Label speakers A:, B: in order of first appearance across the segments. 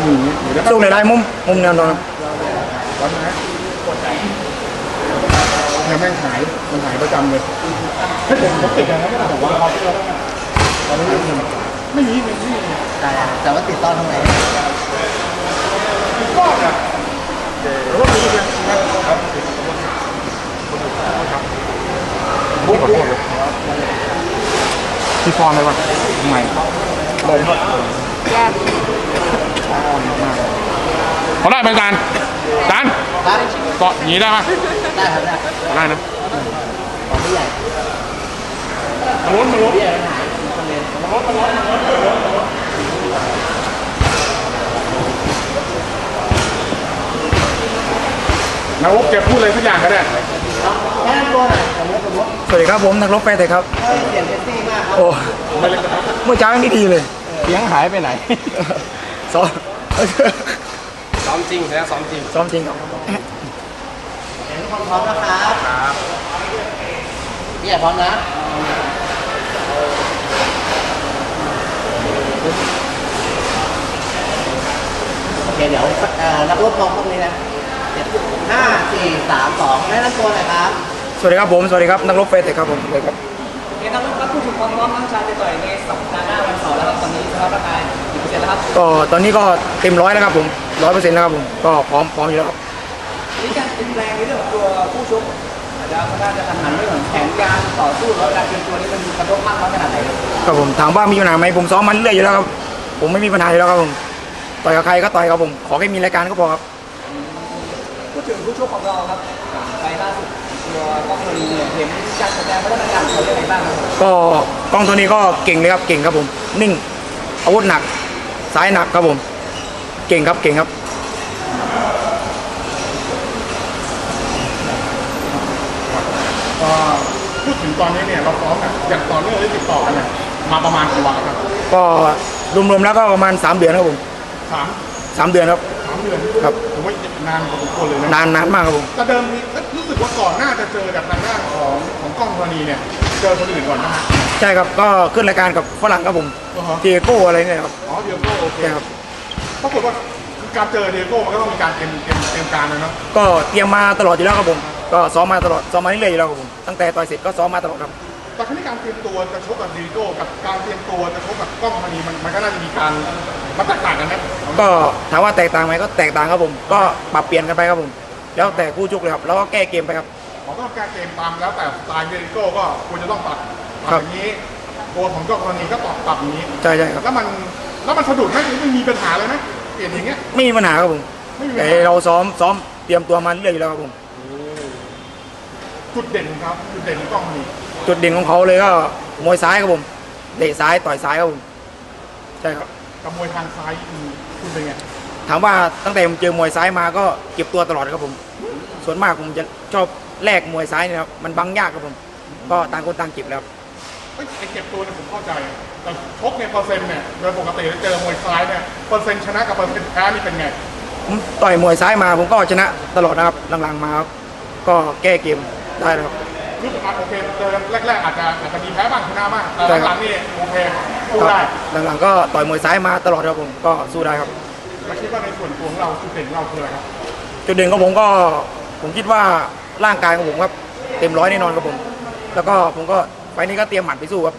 A: สู้ในได้มุมแนวนอน
B: ร้อนนะเนี่ยแม่งหายมันหายประจำเลยให้ผมติดนะไม่ได้แต่ว่าตอนนี้ไม่มี
C: แต่ว่าติดตอนทำไม
B: ก็เนี่ยหรือว่ามีเนี่ยครับบุ๊กที่ฟอนเลยวะทำไมเลย
D: แย่
B: เขาได้เป็นการจานเกาะหนีได้ไหม
C: ได้ครับ
B: ได้นะ
C: ของไม่ใหญ่
B: มันล้นนักรบแกพูดเลยทุกอย่างก็ได้
C: แค่ตัวหน่อย
A: สวัสดีครับผมนักรบแฟร์เตะครับ
C: เปลี่ยนเซนซี่มากครับ
A: โอ้เมื่อเช้าไม่ดีเลย
B: เสียงหายไปไหน
A: ซ้อม
B: จริงแล้วซ้อมจริง
A: ครับ
C: ทุกคนพร้อมนะครับพี่ใหญ่พร้อมนะโอเคเดี๋ยวนักรบมองตรงนี้นะ5 4 3 2แนะนำตัวหน่อยครับ
A: สวัสดีครับผมสวัสดีครับนักรบแฟร์เตะครับผมเลยครับ
D: นักรบครับพูดถึงความพร้อมทั้งชายจะต่อยในสัปดาห์หน้าวันเสาร์แล้วครับตอนนี้สภาพร่างกายกี่เปอร์เซ็นต์แล้วครับ
A: ก็ตอนนี้ก็เต็ม100แล้วครับผม100%แล้วครับผมก็พร้อมอยู่แล้วครับ
D: มีการเปลี่ยนแปลงในเรื่องของตัวผู้ชกอาจจะค่อนข้างจะทันหันเรื่องของแผนการต่อสู้แล้วการเตรียมตัวนี้มันกระทบมากน้อยขนาดไหน
A: ครับผมถามว่ามีปัญหาไหมผมซ้อมมันเรื่อยอยู่แล้วครับผมไม่มีปัญหาอยู่แล้วครับผมต่อยกับใครก็ต่อยครับผมขอแค่มีรายการก็พอครับ
D: พูดถึงผู้ชกของเราครับไปล่าสุดตัวกล้องตัวนี้เห็นการแสดงพัฒนาการเขาเป็นไงบ้างครับ
A: ก็กล้องตัวนี้ก็เก่งเลยครับเก่งครับผมนิ่งอาวุธหนักซ้ายหนักครับผมเก่งครับ
B: พูดถึงตอนนี้เนี่ยเราซ้อมแบบอย่างต่อเนื่องหรือติดต่อกันเนี่ยมาประมาณกี่วันครับ
A: ก็รวมๆแล้วก็ประมาณ3 เดือนครับผม3 เดือนครับ
B: 3 เดือน
A: ครับ
B: ผมว่านานพอสมควรเลยนะ
A: นานมากครับผม
B: แต่เดิมรู้สึกว่าก่อนหน้าจะเจอกับทางด้านของกล้องธรณีเนี่ยเจอคนอื่นก่อนนะ
A: ใช่ครับก็ขึ้นรายการกับฝรั่งครับผมเดียโก้อะไรเนี่ยครับ
B: เดียโก้โอเค
A: ครับ
B: ปรากฏว่าการเจอเดียโก้มันก็ต้องมีการเตรียมการนะเนาะ
A: ก็เตรียมมาตลอดอยู่แล้วครับผมก็ซ้อมมาตลอดซ้อมมาเรื่อยๆอยู่แล้วครับผมตั้งแต่ต่อยเสร็จก็ซ้อมมาตลอดครับ
B: แต่ขั้นการเตรียมตัวจะชกกับเดียโก้กับการเตรียมตัวจะชกกับกล้องธรณีมันก็น่าจะมีการมันแตกต่างกันนะ
A: ก็ถามว่าแตกต่างไหมก็แตกต่างครับผมก็ปรับเปลี่ยนกันไปครับผมแล้วแต่ผู้ชกเลยครับแล้วก็แก้เกมไปครับ
B: ผมก็แก้เกมตามแล้วแต่สไตล์เดียโก้ก็ควรจะต้องปรับอย่างนี้ตัวของกล้องธรณีก็ปรับอย่างนี้
A: ใช่ครับ
B: แล้วมันสะดุดไหมไม่มีปัญหาเลยไหมเปลี่ยนอย่างเงี้ย
A: ไม่มีปัญหาครับผมแต่เราซ้อมเตรียมตัวมาเรื่อยๆแล้วครับผม
B: จุดเด่นครับจุดเด่นของกล้องนี่
A: จุดเด่นของเขาเลยก็มวยซ้ายครับผมเตะซ้ายต่อยซ้ายครับผมใช่ครับ
B: กับมวยทางซ้ายคุณเป็นไง
A: ถามว่าตั้งแต่ผมเจอมวยซ้ายมาก็เก็บตัวตลอดครับผมส่วนมากผมจะชอบแลกมวยซ้ายเนี่ยครับมันบังยากครับผมก็ต่างคนต่างเก็บแล้ว
B: ไอ้เก็บตัวเนี่ยผมเข้าใจแต่ชกเนี่ยเปอร์เซ็นต์เนี่ยโดยปกติเจอมวยซ้ายเนี่ยเปอร์เซ็นต์ชนะกับเปอร์เซ็นต์แพ้นี่เป็นไง
A: ผมต่อยมวยซ้ายมาผมก็ชนะตลอดนะครับหลังๆมาครับก็แก้เกมได้แล้วครับ
B: รู้สึกโอเคเจอแรกๆอาจจะมีแพ้บ้างชนะบ้างแต่หลังๆนี่โอเคสู้ได้
A: หลังๆก็ต่อยมวยซ้ายมาตลอดครับผมก็สู้ได้ครับ
B: แล้วคิดว่าในส่วนตัวของเราจุดเด่นของเราคืออะไรครับ
A: จุดเด่นของผมคิดว่าร่างกายของผมครับเต็ม100แน่นอนครับผมแล้วก็ผมก็ไฟนี้ก็เตรียมหมัดไปสู้ครับ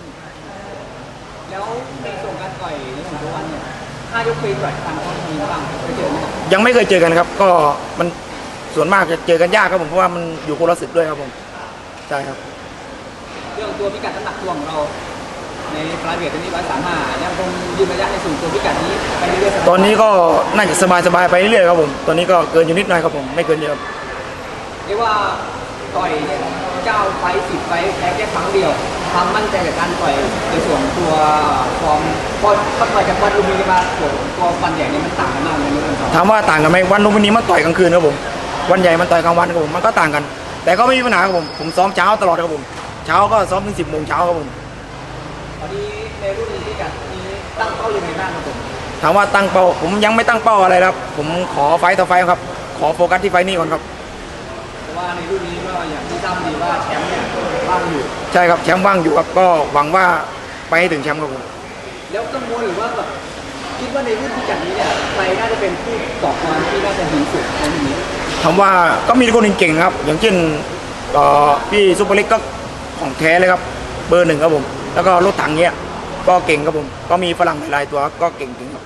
D: แล้วในส่วนการต่อยในของตัววันเนี่ย5 ยกปีต่อยทางต้องมีบ้างเคยเจอไหม
A: ยังไม่เคยเจอกันครับก็มันส่วนมากจะเจอกันยากครับผมเพราะว่ามันอยู่คนละศึกด้วยครับผมใช่ครับ
D: เรื่องตัวพิกัดน้ำหนักตัวของเราในปลายเวทตอนนี้135ยังคงยืนระยะในสูงตัวพิกัดนี้ไปเรื่อย
A: ๆตอนนี้ก็น่าจะสบายไปเรื่อยๆครับผมตอนนี้ก็เกินอยู่นิดหน่อยครับผมไม่เกินเยอะ
D: เรียกว่าต่อย9 ไฟต์ 10 ไฟต์แพ้แค่ครั้งเดียวความมั่นใจกับการต่อยในส่วนตัวความพอต่อยจากวันลุมพินีมาตัววันใหญ่เนี่ยมันต่างกันมากเลย
A: ถามว่าต่างกันไหมวันลุมพินีมันต่อยกลางคืนครับผมวันใหญ่มันต่อยกลางวันครับผมมันก็ต่างกันแต่ก็ไม่มีปัญหาครับผมซ้อมเช้าตลอดครับผมเช้าก็ซ้อมถึง10 โมงเช้าครับผม
D: ตอนนี้ในรุ่นที่กัดนี้ตั้งเป้ายังไงบ้างครับผม
A: ถามว่าตั้งเป้าผมยังไม่ตั้งเป้าอะไรครับผมขอไฟต่อไฟครับขอโฟกัสที่ไฟนี้ก่อนครับ
D: เพราะว่าในรุ่นนี้ก็อย่างที่ทราบดีว่าแชมป์เนี่ยว่างอยู่
A: ใช่ครับแชมป์ว่างอยู่ครับก็หวังว่าไปให้ถึงแชมป์ครับผม
D: แล้วกังวลหรือว่าแบบคิดว่าในรุ่นพิกัดนี้เนี่ยใครน่าจะเป็นผู้ต่อกรที่น่าจะดีสุดในรุ่นนี้
A: ถามว่าก็มีคนเก่งๆครับ อย่างเช่นพี่ซุปเปอร์เล็กก็ของแท้เลยครับเบอร์ 1ครับผมแล้วก็รถถังเนี้ยก็เก่งครับผมก็มีฝรั่งหลายๆตัวก็เก่งจริงครับ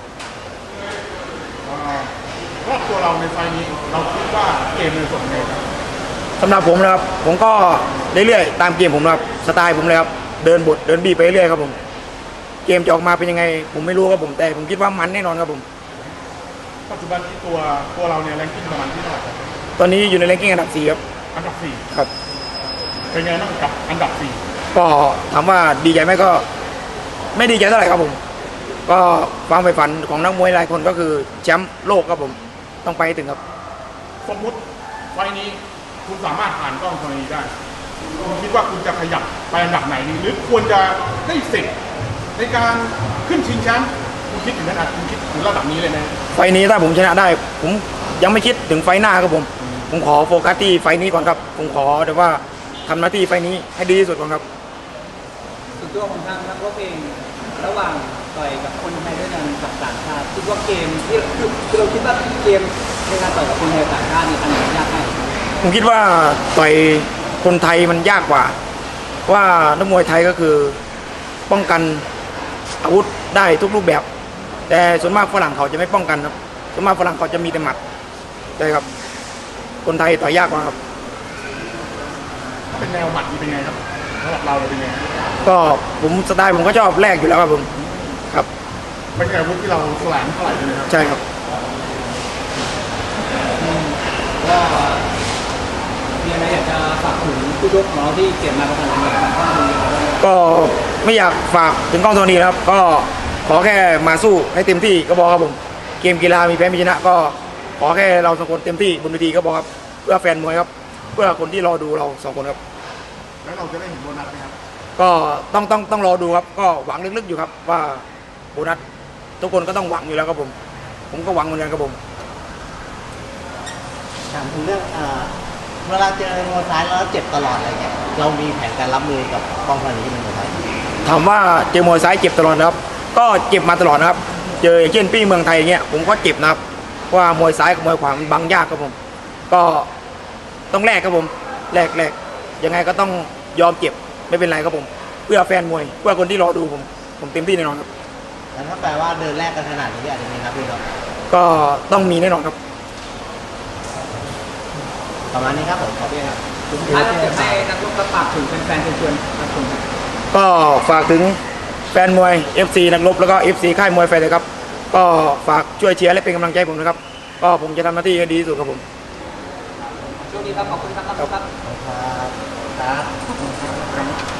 B: รอบตัวเราในไฟล์นี้เราคิดว่าเกมเป็นส่วนไงครับ
A: สำหรับผมนะครับผมก็เรื่อยๆตามเกมผมนะครับสไตล์ผมเลยครับเดินบทเดินบีไปเรื่อยครับผมเกมจะออกมาเป็นยังไงผมไม่รู้ครับผมแต่ผมคิดว่ามันแน่นอนครับผม
B: ปัจจุบันที่ตัวเราเนี่ยแรงกิ้งประมาณที่เท่าไหร่ครับ
A: ตอนนี้อยู่ในแรงกิ้งอันดับ 4ครับ
B: อันดับ
A: ครับ
B: 4เป็นไงบ้างกับอันดับ
A: ก็ถามว่าดีใจไหมก็ไม่ดีใจเท่าไหร่ครับผมก็ความใฝ่ฝันของนักมวยหลายคนก็คือแชมป์โลกครับผมต้องไปให้ถึงครับ
B: 4สมมุติไฟล์นี้คุณสามารถผ่านกล้องตัวนี้ได้คุณคิดว่าคุณจะขยับไปอันดับไหนดีหรือควรจะได้สิทธิ์ในการขึ้นชิงแชมป์คุณคิดถึงขนาดคุณคิดถึงระดับนี้เลยนะ
A: ไฟล์นี้ถ้าผมชนะได้ ผมยังไม่คิดถึงไฟล์หน้าครับผมขอโฟกัสที่ไฟล์นี้ก่อนครับผมขอแต่ว่าทำหน้าที่ไฟล์นี้ให้ดีที่สุดก่อนครับ
D: ส่วนตัวของทางนักรบเองระหว่างต่อยกับคนไทยด้วยกันกับต่างชาติคิดว่าเกมที่คือเราคิดว่าเกมในการต่อยกับคนไทยกับต่างชาตินี่อันไหนยากง่าย
A: ผมคิดว่าต่อยคนไทยมันยากกว่าว่านักมวยไทยก็คือป้องกันอาวุธได้ทุกรูปแบบ แต่ส่วนมากฝรั่งเขาจะไม่ป้องกันครับส่วนมากฝรั่งเขาจะมีแต่หมัดใช่ครับคนไทยต่อยยากกว่าครับ
B: เป็นแนวหมัดนี่เป็นไงครับสำหรับเราเป็นไง
A: ก็ผมสไตล์ผมก็ชอบแรกอยู่แล้วครับผมครับ
B: ไม่ใช่อาวุธที่เราแสลงเท่าไหร่เลยครับ
A: ใช่ครับ
D: ก็มีอะไรอยากจะฝากถึงผู้ชกของเราที่เก็บมาประมาณไหนบ้างครับ
A: ก็ไม่อยากฝากถึงกล้องโทนี่นะครับก็ขอแค่มาสู้ให้เต็มที่ก็พอครับผมเกมกีฬามีแพ้มีชนะก็ขอแค่เราสองคนเต็มที่บนเวทีก็พอครับเพื่อแฟนมวยครับเพื่อคนที่รอดูเราสองคนครับ
B: แล้วเราจะได้เห็นโบนัสไหมครับ
A: ก็ต้องรอดูครับก็หวังลึกๆอยู่ครับว่าโบนัสทุกคนก็ต้องหวังอยู่แล้วครับผมก็หวังเหมือนกันครับผม
C: ถามถึงเรื่องเวลาเจอมวยซ้ายแล้วเจ็บตลอดอะไรเงี้ยเรามีแผนการรับมือกับกองพันนี้เป็นยังไง
A: ถามว่าเจอมวยซ้ายเจ็บตลอดนะครับก็เจ็บมาตลอดนะครับเจออย่างเช่นพี่เมืองไทยอย่างเงี้ยผมก็เจ็บนะครับเพราะว่ามวยซ้ายกับมวยขวามันบังยากครับผมก็ต้องแลกครับผมแลกยังไงก็ต้องยอมเจ็บไม่เป็นไรครับผมเพื่อแฟนมวยเพื่อคนที่รอดูผมเต็มที่แน่นอนครับ
C: แล้วถ้าแปลว่าเดินแรกกันขนาดนี้อาจจะมีนับด้วยเนาะ
A: ก็ต้องมีแน่นอนครับ
C: ประมาณนี้ครับผมขอบคุณครับ
D: สุดท้ายเราจะให้นักรบกระปากถึงแฟนๆเชิญๆครับผม
A: ก็ฝากถึงแฟนมวย FC นักรบแล้วก็ FC ค่ายมวยไฟเลยครับก็ฝากช่วยเชียร์และเป็นกำลังใจให้ผมนะครับก็ผมจะทำหน้าที่ให้ดีที่สุดครับผม
D: ช่วงนี้ครับขอบคุณครับนักรบครับ
C: ครับ